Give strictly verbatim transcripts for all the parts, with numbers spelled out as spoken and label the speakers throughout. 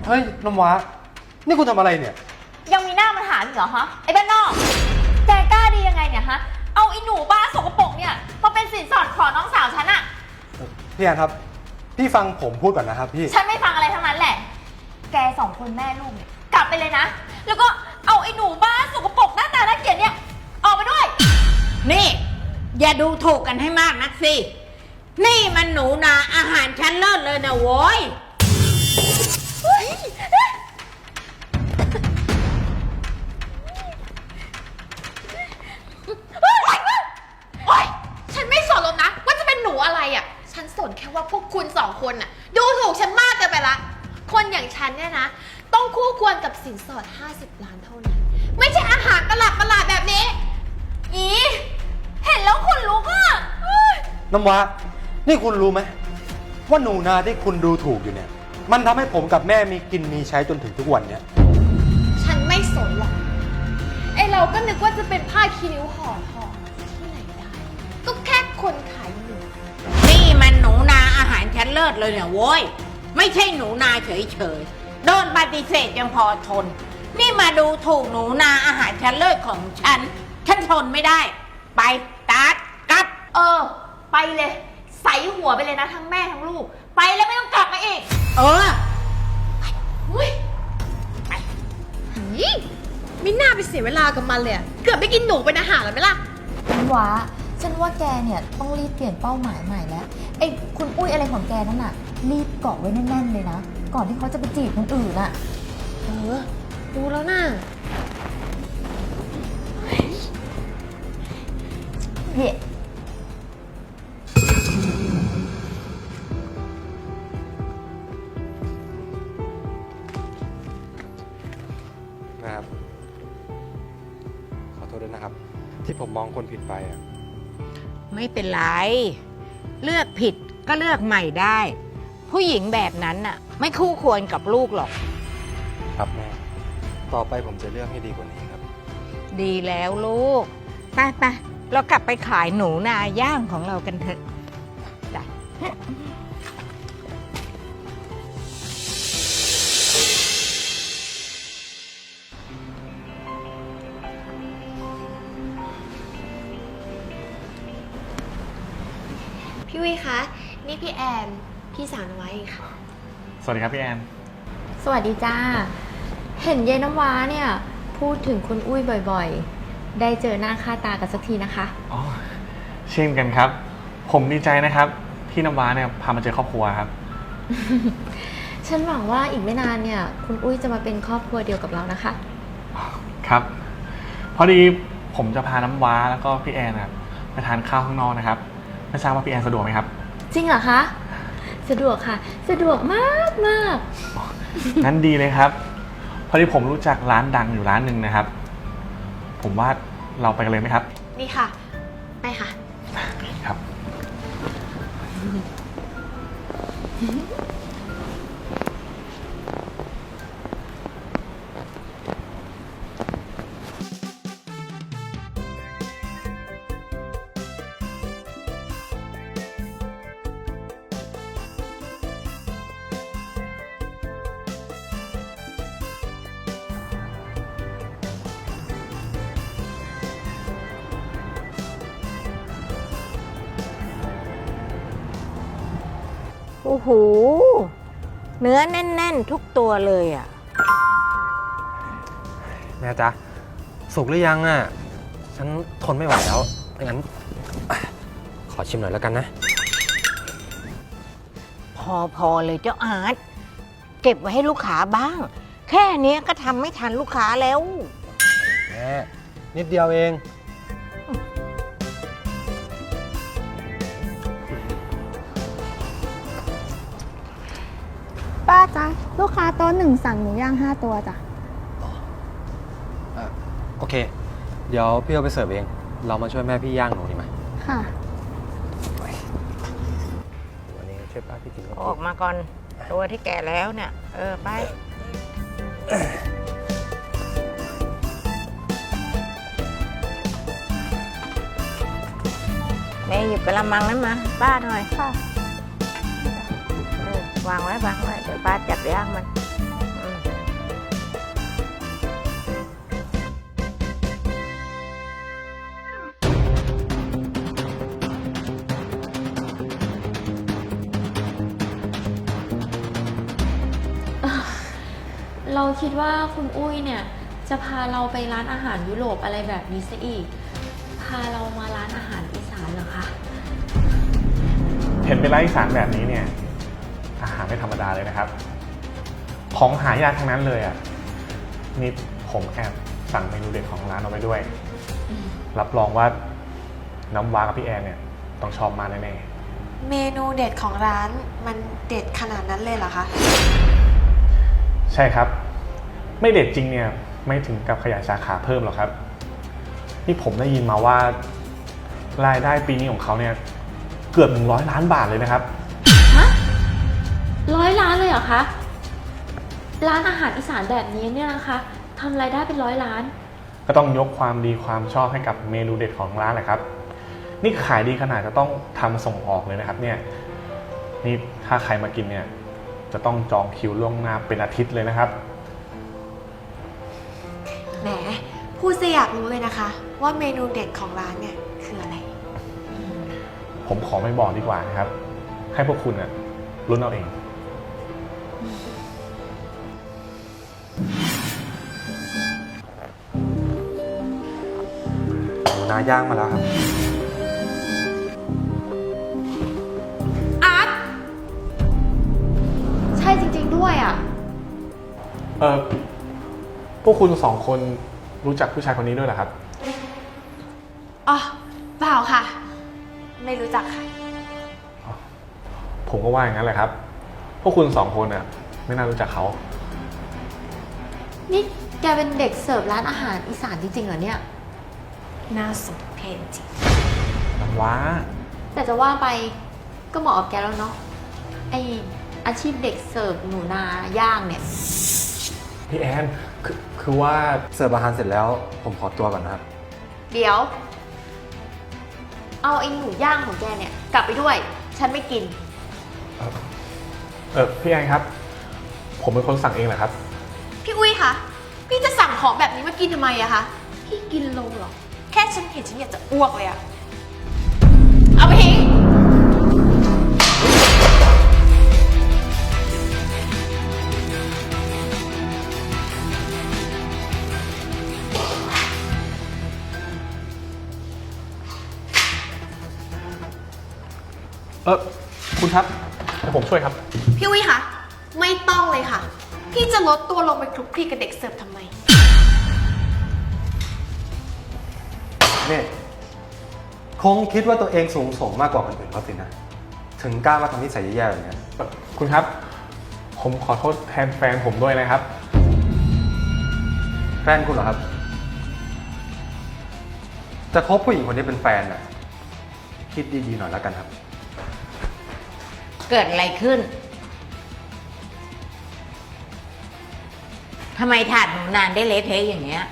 Speaker 1: เฮ้ยน้ำว้านี่คุณทำอะไรเนี่ย
Speaker 2: ยังมีหน้ามาถามอีกเหรอฮะไอ้บ้านนอกแกกล้าดียังไงเนี่ยฮะเอาไอ้หนูบ้าสกปรกเนี่ยมาเป็นสินสอดขอน้องสาวฉันอะ
Speaker 1: พี่แอนครับพี่ฟังผมพูดก่อนนะครับพี่
Speaker 2: ฉันไม่ฟังอะไรทั้งนั้นแหละแกสองคนแม่ลูกเนี่ยกลับไปเลยนะแล้วก็เอาไอ้หนูบ้าสกปรกหน้าตาน่าเกลียดเนี่ยออกไปด้วย
Speaker 3: นี่อย่าดูถูกกันให้มากนักสินี่มันหนูนาอาหารชั้นเลิศเลยนะโว้ย
Speaker 2: ฉันไม่สนหรอกนะว่าจะเป็นหนูอะไรอ่ะฉันสนแค่ว่าพวกคุณสองคนน่ะดูถูกฉันมากเกินไปละคนอย่างฉันเนี่ยนะต้องคู่ควรกับสินสอดห้าสิบล้านเท่านั้นไม่ใช่อาหารประหลาดประหลาดแบบนี้อีเห็นแล้วคนลุกอ่ะ
Speaker 1: น้ำว้านี่คุณรู้ไหมว่าหนูนาที่คุณดูถูกอยู่เนี่ยมันทำให้ผมกับแม่มีกินมีใช้จนถึงทุกวันเนี่ย
Speaker 2: ฉันไม่สนหรอกไอเราก็นึกว่าจะเป็นผ้าคีริ้วห่อทองที่ไหนได้ก็แค่คนขายหนู
Speaker 3: นี่มันหนูนาอาหารชั้นเลิศเลยเนี่ยโว้ยไม่ใช่หนูนาเฉยๆโดนปฏิเสธยังพอทนนี่มาดูถูกหนูนาอาหารชั้นเลิศของฉันฉันทนไม่ได้ไปตัดกลับ
Speaker 2: เออไปเลยใส่หัวไปเลยนะทั้งแม่ทั้งลูกไปแล้วไม่ต้องกลับมาอีก
Speaker 3: เออ
Speaker 2: อุ้ยไปไม่น่าไปเสียเวลากับมันเลยเกือบได้กินหนูเป็นอาหารแล้วไหมล่ะ
Speaker 4: ฉันว่าฉันว่าแกเนี่ยต้องรีบเปลี่ยนเป้าหมายใหม่แล้วไอ้คุณอุ้ยอะไรของแกนั่นน่ะรีบเกาะไว้แน่นๆเลยนะก่อนที่เขาจะไปจีบคนอื่นน่ะ
Speaker 2: เออดูแล้วน่ะ
Speaker 4: เย่
Speaker 1: นะครับขอโทษด้วยนะครับที่ผมมองคนผิดไปอ่ะ
Speaker 3: ไม่เป็นไรเลือกผิดก็เลือกใหม่ได้ผู้หญิงแบบนั้นน่ะไม่คู่ควรกับลูกหรอก
Speaker 1: ครับแม่ต่อไปผมจะเลือกให้ดีกว่านี้ครับ
Speaker 3: ดีแล้วลูกไปไปเรากลับไปขายหนูนาย่างของเรากันเถอะจ้ะ
Speaker 2: พี่วิคะนี่พี่แอนพี่สาวนวัยค่ะ
Speaker 5: สวัสดีครับพี่แอน
Speaker 4: สวัสดีจ้าเห็นเย็นน้ำว้าเนี่ยพูดถึงคุณอุ้ยบ่อยๆได้เจอหน้าค่าตากันสักทีนะคะ
Speaker 5: อ๋อเช่นกันครับผมดีใจนะครับที่น้ำว้าเนี่ยพามาเจอครอบครัวครับ
Speaker 4: ฉันหวังว่าอีกไม่นานเนี่ยคุณอุ้ยจะมาเป็นครอบครัวเดียวกับเรานะคะ
Speaker 5: ครับพอดีผมจะพาน้ำว้าแล้วก็พี่แอนนะครับไปทานข้าวข้างนอกนะครับไม่ทราบว่าพี่แอนสะดวกไหมครับ
Speaker 4: จริงเหรอคะสะดวกค่ะสะดวกมากมาก
Speaker 5: งั้นดีเลยครับพอดีผมรู้จักร้านดังอยู่ร้านหนึ่งนะครับผมว่าเราไปกันเลยไหมครับ
Speaker 2: นี่ค่ะไปค่ะ
Speaker 5: ครับ
Speaker 3: โอ้โหเนื้อแน่นๆทุกตัวเลยอ่ะ
Speaker 1: แม่จ๊ะสุกหรือยังอ่ะฉันทนไม่ไหวแล้วงั้นขอชิมหน่อยแล้วกันนะ
Speaker 3: พอพอเลยเจ้าอาร์ตเก็บไว้ให้ลูกค้าบ้างแค่นี้ก็ทำไม่ทันลูกค้าแล้ว
Speaker 1: แม่นิดเดียวเอง
Speaker 6: ป้าจ๊ะลูกค้าโต๊ะหนึ่งสั่งหมูย่างห้าตัวจ้ะ
Speaker 1: โอเคเดี๋ยวพี่เอาไปเสิร์ฟเองเรามาช่วยแม่พี่ย่างหนูดีไหม
Speaker 6: ค่ะ
Speaker 1: วันนี้ช่วยป้าพี่กิน
Speaker 3: ออกมาก่อนตัวที่แก่แล้วเนี่ยเออไปแม่หยิบกระมังนั้นมาป้าหน่อย
Speaker 6: ค่ะ
Speaker 3: วางไว้วางไว้เดี๋ยวป้าจับย่างมัน
Speaker 7: คิดว่าคุณอุ้ยเนี่ยจะพาเราไปร้านอาหารยุโรปอะไรแบบนี้ซะอีก พาเรามาร้านอาหารอีสานเหรอคะ
Speaker 5: เห็นเป็นร้านอีสานแบบนี้เนี่ย อาหารไม่ธรรมดาเลยนะครับ ของหายากทั้งนั้นเลยอ่ะนี่ผมแอบสั่งเมนูเด็ดของร้านเอาไว้ด้วย รับรองว่าน้ำว้ากับพี่แอนเนี่ยต้องชอบมากแน่ๆ
Speaker 8: เมนูเด็ดของร้านมันเด็ดขนาดนั้นเลยเหรอคะ
Speaker 5: ใช่ครับ ไม่เด็ดจริงเนี่ยไม่ถึงกับขยายสาขาเพิ่มหรอกครับนี่ผมได้ยินมาว่ารายได้ปีนี้ของเขาเนี่ยเกือบหนึ่งร้อยล้านบาทเลยนะครับ
Speaker 7: ฮะร้อยล้านเลยเหรอคะ ร้านอาหารอีสานแบบนี้เนี่ยนะคะทำรายได้เป็นร้อยล้าน
Speaker 5: ก็ต้องยกความดีความชอบให้กับเมนูเด็ดของร้านแหละครับนี่ขายดีขนาดจะต้องทำส่งออกเลยนะครับเนี่ยนี่ถ้าใครมากินเนี่ยจะต้องจองคิวล่วงหน้าเป็นอาทิตย์เลยนะครับ
Speaker 8: แหม พูดซะอยากรู้เลยนะคะ ว่าเมนูเด็ดของร้านเนี่ยคืออะไร
Speaker 5: ผมขอไม่บอกดีกว่านะครับ ให้พวกคุณน่ะลุ้นเอาเอง
Speaker 1: หนูนาย่างมาแล้วครับ
Speaker 2: อาร์ตใช่จริงๆด้วยอ่ะ
Speaker 5: เออพวกคุณสองคนรู้จักผู้ชายคนนี้ด้วยเหรอครับ
Speaker 8: อ๋อ เปล่าค่ะ ไม่รู้จักค่ะ
Speaker 5: ผมก็ว่าอย่างนั้นแหละครับ พวกคุณสองคนน่ะไม่น่ารู้จักเขา
Speaker 7: นี่แกเป็นเด็กเสิร์ฟร้านอาหารอีสานจริงๆเหรอเนี่ย
Speaker 8: น่าสมเพชจริง
Speaker 5: น้ำว้า
Speaker 7: แต่จะว่าไปก็เหมาะกับแกแล้วเนาะ ไออาชีพเด็กเสิร์ฟหนูนาย่างเนี่ย
Speaker 5: พี่แอนคือคือว่า
Speaker 1: เสิร์ฟอาหารเสร็จแล้วผมขอตัวก่อนนะครับ
Speaker 7: เดี๋ยว เอาไอ้หมูย่างของแกเนี่ยกลับไปด้วย ฉันไม่กิน
Speaker 5: เอ่อเออพี่แอนครับ ผมเป็นคนสั่งเองแหละครับ
Speaker 2: พี่อุ้ยคะพี่จะสั่งของแบบนี้มากินทำไมอะคะ พี่กินลงเหรอ แค่ฉันเห็นฉันอยากจะอ้วกเลยอะเอาไปทิ้ง
Speaker 5: เออคุณครับเดี๋ยวผมช่วยครับ
Speaker 2: พี่อุ้ยคะไม่ต้องเลยค่ะ พี่จะลดตัวลงไปคลุกคลีกับเด็กเสิร์ฟทำไม
Speaker 1: นี่คงคิดว่าตัวเองสูงส่งมากกว่าคนอื่นเขาสินะ ถึงกล้ามาทำนิสัยแย่ๆแบบนี้
Speaker 5: คุณครับ ผมขอโทษแทนแฟนผมด้วยนะครับ
Speaker 1: แฟนคุณเหรอครับ จะคบผู้หญิงคนนี้เป็นแฟนน่ะ คิดดีๆหน่อยแล้วกันครับ
Speaker 3: เกิดอะไรขึ้น ทำไมถาดหนูนานได้เละเทะอย่างเงี้ย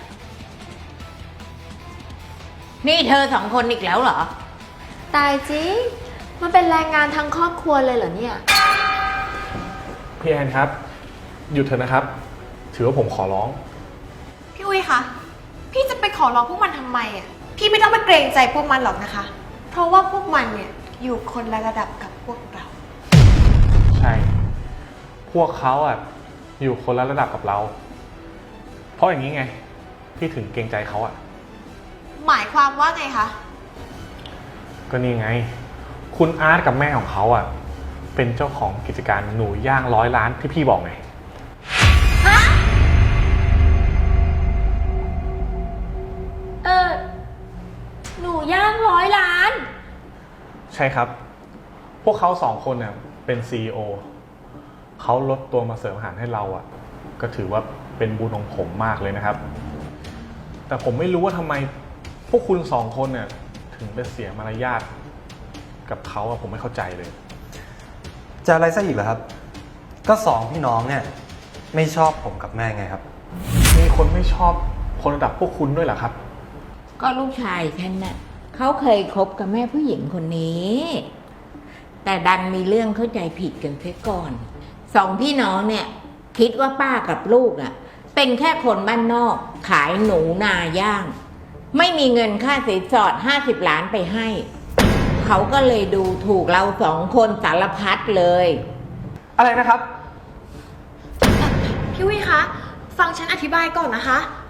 Speaker 3: นี่เธอสองคนอีกแล้วเหรอ
Speaker 7: ตายจริง มันเป็นแรงงานทั้งครอบครัวเลยเหรอเนี่ย
Speaker 5: พี่แอนครับ หยุดเถอะนะครับ ถือว่าผมขอร้อง
Speaker 2: พี่อุ้ยคะพี่จะไปขอร้องพวกมันทำไมอะพี่ไม่ต้องไปเกรงใจพวกมันหรอกนะคะ เพราะว่าพวกมันเนี่ยอยู่คนละระดับกับพวกเรา
Speaker 5: ใช่ พวกเขาอ่ะอยู่คนละระดับกับเรา เพราะอย่างนี้ไง พี่ถึงเกรงใจเขาอ่ะ
Speaker 2: หมายความว่าไงคะ
Speaker 5: ก็นี่ไง คุณอาร์ตกับแม่ของเขาอ่ะ เป็นเจ้าของกิจการหนูย่างร้อยล้านที่พี่บอกไง
Speaker 7: เออ หนูย่างร้อยล้าน
Speaker 5: ใช่ครับ พวกเขาสองคนเนี่ยเป็น ซี อี โอ เขาลดตัวมาเสิร์ฟอาหารให้เราอ่ะ ก็ถือว่าเป็นบุญของผมมากเลยนะครับ แต่ผมไม่รู้ว่าทำไมพวกคุณสองคนเนี่ยถึงไปเสียมารยาทกับเขาอะผมไม่เข้าใจเลย
Speaker 1: จะอะไรซะอีกเหรอครับ ก็สองพี่น้องเนี่ยไม่ชอบผมกับแม่ไงครับ
Speaker 5: มีคนไม่ชอบคนระดับพวกคุณด้วยเหรอครับ
Speaker 3: ก็ลูกชายฉันน่ะเขาเคยคบกับแม่ผู้หญิงคนนี้ แต่ดันมีเรื่องเข้าใจผิดกันเสียก่อน สองพี่น้องเนี่ยคิดว่าป้ากับลูกอ่ะ เป็นแค่คนบ้านนอก ขายหนูนาย่าง ไม่มีเงินค่าสินสอดห้าสิบล้านไปให้ เขาก็เลยดูถูกเราสองคนสารพัดเลย
Speaker 5: อะไรนะครับ
Speaker 2: พี่วิคะ
Speaker 8: ฟังฉันอธิบายก่อนนะคะ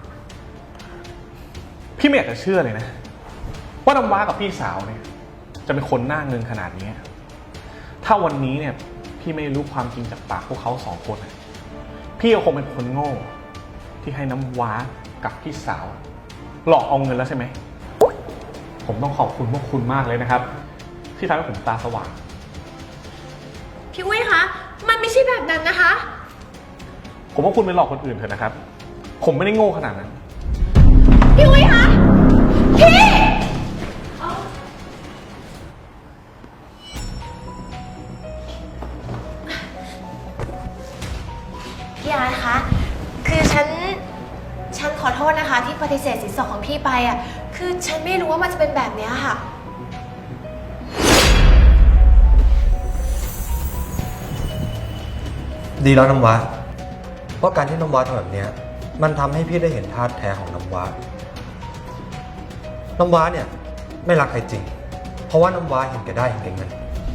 Speaker 5: พี่ไม่อยากจะเชื่อเลยนะ ว่าน้ำว้ากับพี่สาวเนี่ย จะเป็นคนหน้าเงินขนาดนี้ ถ้าวันนี้เนี่ยพี่ไม่รู้ความจริงจากปากพวกเขาสองคนนะพี่ก็คงเป็นคนโง่ ที่ให้น้ำว้ากับพี่สาว หลอกเอาเงินแล้วใช่ไหม ผมต้องขอบคุณพวกคุณมากเลยนะครับ ที่ทำให้ผมตาสว่าง
Speaker 8: พี่อุ้ยคะ มันไม่ใช่แบบนั้นนะคะ
Speaker 5: ผมว่าคุณไปหลอกคนอื่นเถอะนะครับ ผมไม่ได้โง่ขนาดนั้น
Speaker 8: พี่อุ้ยคะ พี่ พี่อาร์ตคะ คือฉัน ฉันขอโทษนะคะ ที่ปฏิเสธสินสอดของพี่ไปอ่ะ คือฉันไม่รู้ว่ามันจะเป็นแบบเนี้ยค่ะ
Speaker 1: ดีแล้วน้ำว้าเพราะการที่น้ำว้าทำแบบเนี้ยมันทำให้พี่ได้เห็นท่าแท้ของน้ำว้าน้ำว้าเนี่ยไม่รักใครจริง เพราะว่าน้ำว้าเห็นแก่ได้เห็นแก่เงิน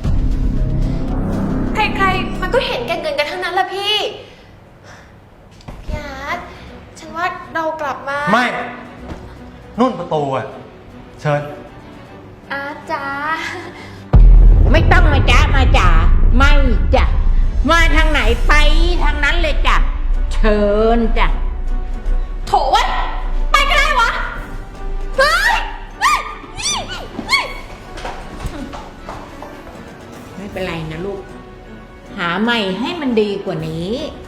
Speaker 8: ใครๆ มันก็เห็นแก่เงินกันทั้งนั้นแหละพี่ พี่อาร์ต ฉันว่าเรากลับมา
Speaker 1: ไม่ นุ่นประตูอ่ะ เชิญ
Speaker 2: อาร์ตจ้า
Speaker 3: ไม่ต้องมาจ้ามาจ๋าไม่จ้ะมาทางไหนไปทางนั้นเลยจ้ะเชิญจ้ะ
Speaker 2: โถเว้ย ไปก็ได้วะ เฮ้ยเฮ้ยเฮ้ย
Speaker 3: ไม่เป็นไรนะลูก หาใหม่ให้มันดีกว่านี้
Speaker 2: เ